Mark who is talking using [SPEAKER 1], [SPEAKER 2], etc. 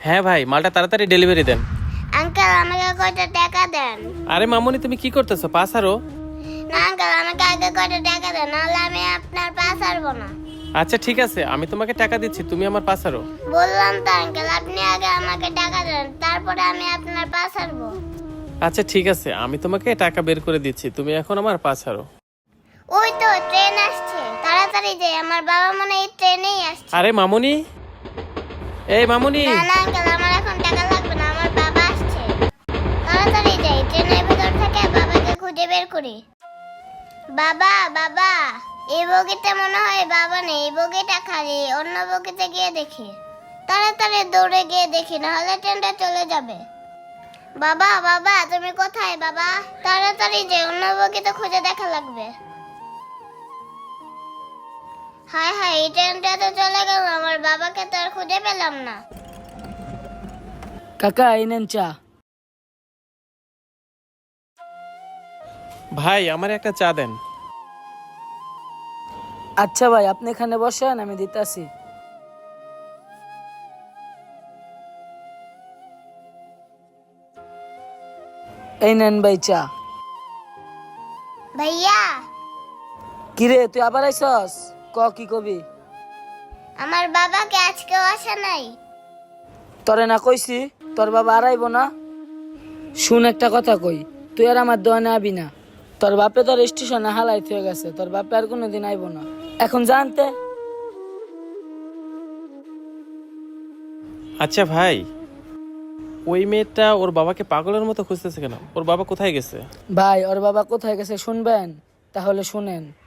[SPEAKER 1] হ্যাঁ ভাই, মালটা তাড়াতাড়ি ডেলিভারি দেন।
[SPEAKER 2] আঙ্কেল আমাকে কয়টা টাকা দেন।
[SPEAKER 1] আরে মামুনি, তুমি কি করতেছো? পাস আরো।
[SPEAKER 2] না আঙ্কেল, আমাকে আগে কয়টা টাকা দেন, নাহলে আমি আপনার পা ছাড়বো না।
[SPEAKER 1] আচ্ছা ঠিক আছে, আমি তোমাকে টাকা দিচ্ছি, তুমি আমার পাস আরো।
[SPEAKER 2] বললাম তো আঙ্কেল, আপনি আগে আমাকে টাকা দেন, তারপরে আমি আপনার পা ছাড়বো।
[SPEAKER 1] আচ্ছা ঠিক আছে, আমি তোমাকে টাকা বের করে দিচ্ছি, তুমি এখন আমার পাস আরো।
[SPEAKER 2] ওই তো ট্রেন আসছে, তাড়াতাড়ি যাই, আমার বাবা মনে হয় এই ট্রেনেই আসছে।
[SPEAKER 1] আরে মামুনি, এই মামুনি।
[SPEAKER 2] না না আঙ্কেল, আমার এখন টাকা লাগবে না, আমার বাবা আসছে। তাড়াতাড়ি যাই, ট্রেনের ভেতর থেকে বাবাকে খুঁজে বের করি। বাবা বাবা, এই বগিতে মনে হয় বাবা নেই, এই বগিটা খালি, অন্য বগিতে গিয়ে দেখি। তাড়াতাড়ি দৌড়ে গিয়ে দেখি, নাহলে ট্রেনটা চলে যাবে। বাবা বাবা, তুমি কোথায় বাবা? তাড়াতাড়ি যে, অন্য বগিতে খুঁজে দেখা লাগবে। হায় হায়, এই ট্রেনটা তো চলে গেল, আমার বাবাকে তো আর খুঁজে পেলাম না।
[SPEAKER 3] কাকা এই নেন চা।
[SPEAKER 1] ভাই, আমার একটা চা দেন।
[SPEAKER 3] আচ্ছা ভাই, আপনি এখানে বসেন, আমি দিতাছি। এই নেন ভাই চা।
[SPEAKER 2] ভাইয়া,
[SPEAKER 3] কিরে তুই আবার আইসস? কি কবি?
[SPEAKER 2] আমার বাবাকে আজকেও আসে নাই।
[SPEAKER 3] তোরে না কইছি তোর বাবা আর আইব না? শুন একটা কথা কই, তুই আর আমার দোয়ানে আবি না। তোর বাপে তোর স্টেশনে হালাই হয়ে গেছে, তোর বাপে আর কোনোদিন আইব না। এখন জানতে।
[SPEAKER 1] আচ্ছা ভাই, ওই মেয়েটা ওর বাবাকে পাগলের মতো খুঁজতেছে কেন? ওর বাবা কোথায় গেছে?
[SPEAKER 3] ভাই ওর বাবা কোথায় গেছে শুনবেন? তাহলে শুনেন।